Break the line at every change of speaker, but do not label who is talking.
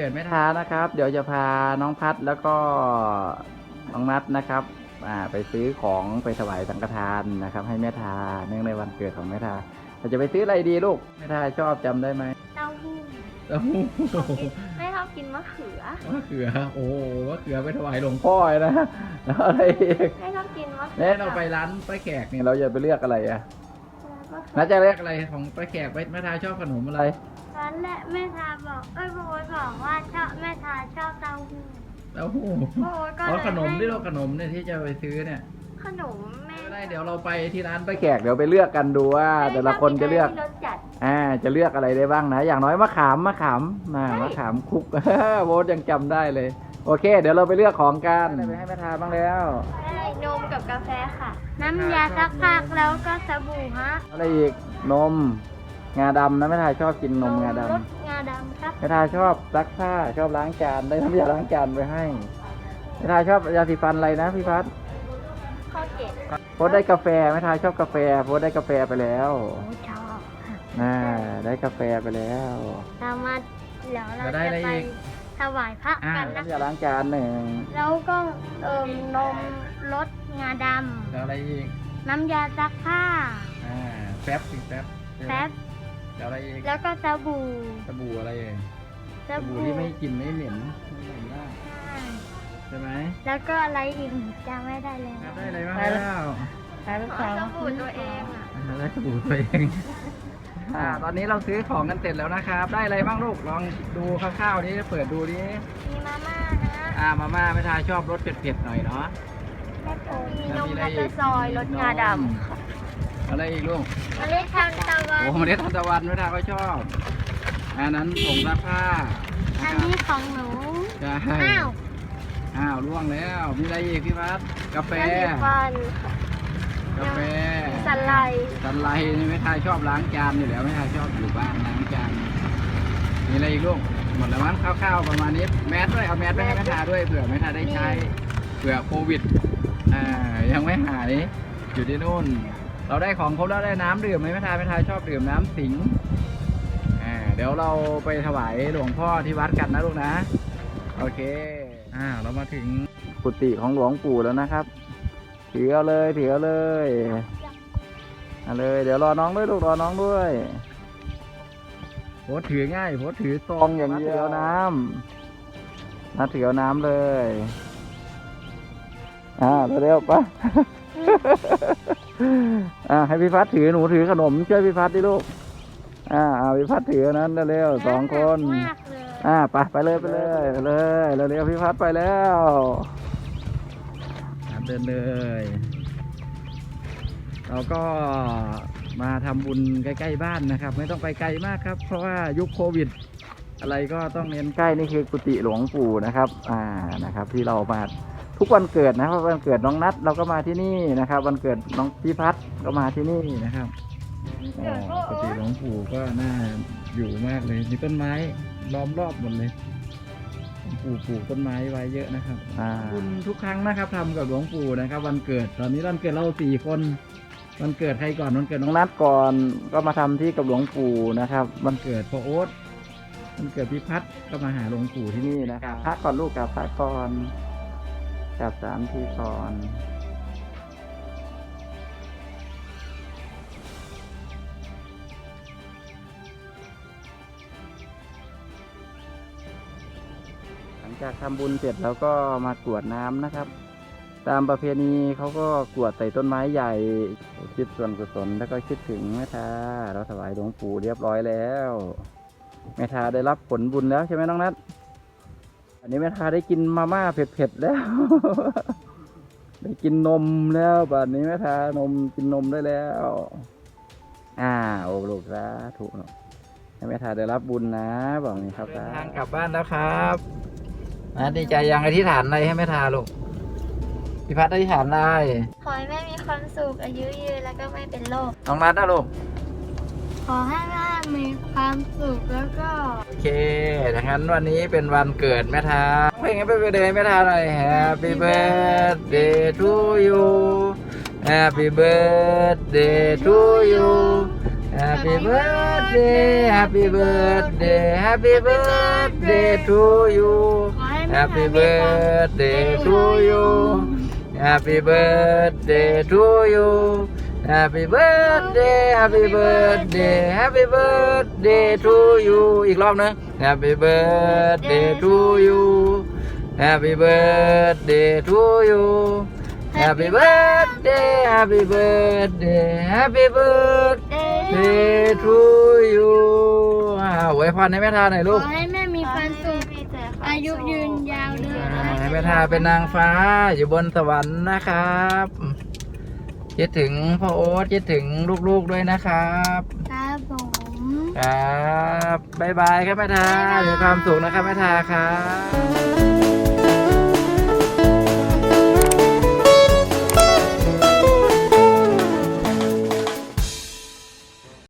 กิดแม่ทานะครับเดี๋ยวจะพาน้องพัดแล้วก็น้องนัดนะครับไปซื้อของไปถวายสังฆทานนะครับให้แม่ทาเนื่องในวันเกิดของแม่ทาเราจะไปซื้ออะไรดีลูกแม่ทาชอบจำได้ไหม
เต้าหู้
เต้าหู้
ไม่ชอบกินมะเขือ
มะเขือโอ้มะเขือไปถวายหลวงพ่อนะแล้วอะไรอีก
ไม่ชอบกินมะเขื
เนี่ยเราไปร้านป้าแขกเนี่ยเราจะไปเลือกอะไรอะน่าจะเลือกอะไรของป้าแขกแม่ทาชอบขนมอะไร
ตอนแรกแม่ทาบอกโบ๊ทบอกว่าชอบแม่ทาชอบเต้าหู้
เต้าหู้
โบ๊ทก็เลย
เอาขนมที่เราขนมเนี่ยที่จะไปซื้อเนี่ย
ขนมแม่
ไม่ได้เดี๋ยวเราไปที่ร้านป้าแขกเดี๋ยวไปเลือกกันดูว่าแต่ละคนจะเลือก
รสจัด
จะเลือกอะไรได้บ้างนะ อย่างน้อยมะขามมะขามคุก โบ๊ทยังจำได้เลย โอเค เดี๋ยวเราไปเลือกของกันไปให้แม่ทาบ้างแล้ว
ได้นมกับกาแฟค่ะ น้ำยาซักผ้าแล้วก็สบู่ฮะ
อะไรอีกนมงาดำนะแม่ทาชอบกินนมงาร
สงาดำครับ
แม่ทาชอบซักผ้าชอบล้างจานได้น้ำยาล้างจานไปให้แม่ทาชอบยาสีฟันอะไรนะพี่พัด
ข้อเจ็ด
โพสได้กาแฟแม่ทาชอบกาแฟโพสได้กาแฟไปแล้ว
โอ้ชอบ
ได้กาแฟไปแล้ว
เรามาเดี๋ยวเรา
จะได้
จะ
อะไร
ไป
อีก
ถวายพระกันนะ
น้ำยาล้างจานหนึ่ง
แล้วก็นมรสงาด
แล้วอะไรอีก
ำน้ำยาซักผ้า
แป๊บสิแป๊บ
แป๊บ
แล้วอะไรอีก
แล้วก็สบู่
สบู่อะไรเอ่ย
ส
สบู่
บู่
ที่ไม่กลิ่นไม่เหม็นมากใช่ไหม
แล้วก็อะไรอีกจำไม่ได้เลย
ได้อะไรบ้างแล้ว
ขอสบู่ตัวเองอ่ะ
ได้สบู่ตัวเองตอนนี้เราซื้อของกันเสร็จแล้วนะครับ ได้อะไรบ้างลูกลองดูคร่าวๆนี้เปิดดูดิ
มีมาม่านะ
มาม่าไม่ทายชอบรสเผ็ดๆหน่อยเนาะ
แล้วก็มีนม
แล้วมีอะไร
กระ
อีก
ซอยรสงาด
อะไรอีกลูก
ำเมล็ดทานตะวัน
โอ้เมล็ดทานตะวันไม่ทายก็ชอบอันนั้นผงซักผ้า
อันนี้ของหนู
ใช่
อ้าว
ล่วงแล้ว มีอะไรอีกพี่พัดกาแฟ
น้ำสีฟัน
กาแฟ
สไลด์
สันไลนี่ไม่ทายชอบล้างจานอยู่แล้วไม่ทายชอบอยู่บ้านล้างจานมีอะไรอีกลูกหมดแล้วมั้งคร่าวๆประมาณนี้แมสด้วยเอาแมสไปให้แม่ทาด้วยเผื่อแม่ทาได้ใช้เผื่อโควิดยังไม่หายอยู่ที่นู่น เราได้ของครบแล้วได้น้ำดื่มไหมแม่ทาชอบดื่มน้ำสิงเดี๋ยวเราไปถวายหลวงพ่อที่วัดกันนะลูกนะโอเคเรามาถึงกุฏิของหลวงปู่แล้วนะครับถือเอาเลยถือเอาเลยเอาเลยเดี๋ยวรอน้องด้วยลูกรอน้องด้วยโพสถือง่ายโพสถือซองอย่างเดียวน้ำถือเอาน้ำเลยเร็วๆปะ ให้พี่พัดถือหนูถือขนมช่วยพี่พัดดิลูกพี่พัดถือนั้นเร็วๆ2 คน
มากเลย
ไปเลยเร็วๆพี่พัดไปแล้วเดินเลยเราก็มาทำบุญใกล้ๆบ้านนะครับไม่ต้องไปไกลมากครับเพราะว่ายุคโควิดอะไรก็ต้องเน้นใกล้นี่คือกุฏิหลวงปู่นะครับนะครับที่เรามาทุกวันเกิดนะครับวันเกิดน้องนัดเราก็มาที่นี่นะครับวันเกิดน้องพี่พัดก็มาที่นี่นะครับกุฏิหลวงปู่ก็น่าอยู่มากเลยมีต้นไม้ล้อมรอบหมดเลยหลวงปู่ปลูกต้นไม้ไว้เยอะนะครับบุญทุกครั้งนะครับทำกับหลวงปู่นะครับวันเกิดตอนนี้วันเกิดเรา4 คนวันเกิดใครก่อนวันเกิดน้องนัดก่อนก็มาทำที่กับหลวงปู่นะครับวันเกิดพ่อโอ๊ตวันเกิดพี่พัดก็มาหาหลวงปู่ที่นี่นะครับพักก่อนลูกกับพักก่อนกับ3 ทีก่อนหลังจากทำบุญเสร็จแล้วก็มากรวดน้ำนะครับตามประเพณีเขาก็กรวดใส่ต้นไม้ใหญ่คิดส่วนกุศลแล้วก็คิดถึงแม่ทาเราถวายหลวงปู่เรียบร้อยแล้วแม่ทาได้รับผลบุญแล้วใช่ไหมน้องนัทอันนี้แม่ทาได้กินมาม่าเผ็ดๆแล้ว ได้กินนมแล้วบัดนี้แม่ทานมกินนมได้แล้วโอ้ลูกสาธุเนาะให้แม่ทาได้รับบุญนะบอกนี่ครับทางกลับบ้านแล้วครับดีใจยังอธิษฐานอะไรให้แม่ทาลูกพี่พัดอธิษฐานอะไร
ขอให้แม่มีความสุขอายุยืนแล้วก็ไม่เป็นโรค
น้องนัทนะลูก
ขอให้แม่มีความสุขแล้วก็
โอเคดังนั้นวันนี้เป็นวันเกิดแม่ทาเพลงให้ไปเดินแม่ทาหน่อย Happy birthday to you Happy birthday to you Happy birthday Happy birthday Happy birthday to you Happy birthday to you Happy birthday to you Happy birthday Happy birthday Happy birthday to you อีกรอบนึง Happy birthday to you Happy birthday to you Happy birthday Happy birthday Happy birthday to you อวยพรให้แม่ทาหน่อย
ข
ลู
อก ให้แม่มีความสุขอายุยืนยาวเลยนะ
ให้แม่ทาเป็นนางฟ้าอยู่บนสวรรค์นะครับคิดถึงพ่อโอ๊ตคิดถึงลูกๆด้วยนะครับ
ครับผม
ครับบ๊ายบายครับแม่ทามีความสุขนะครับแม่ทาครับ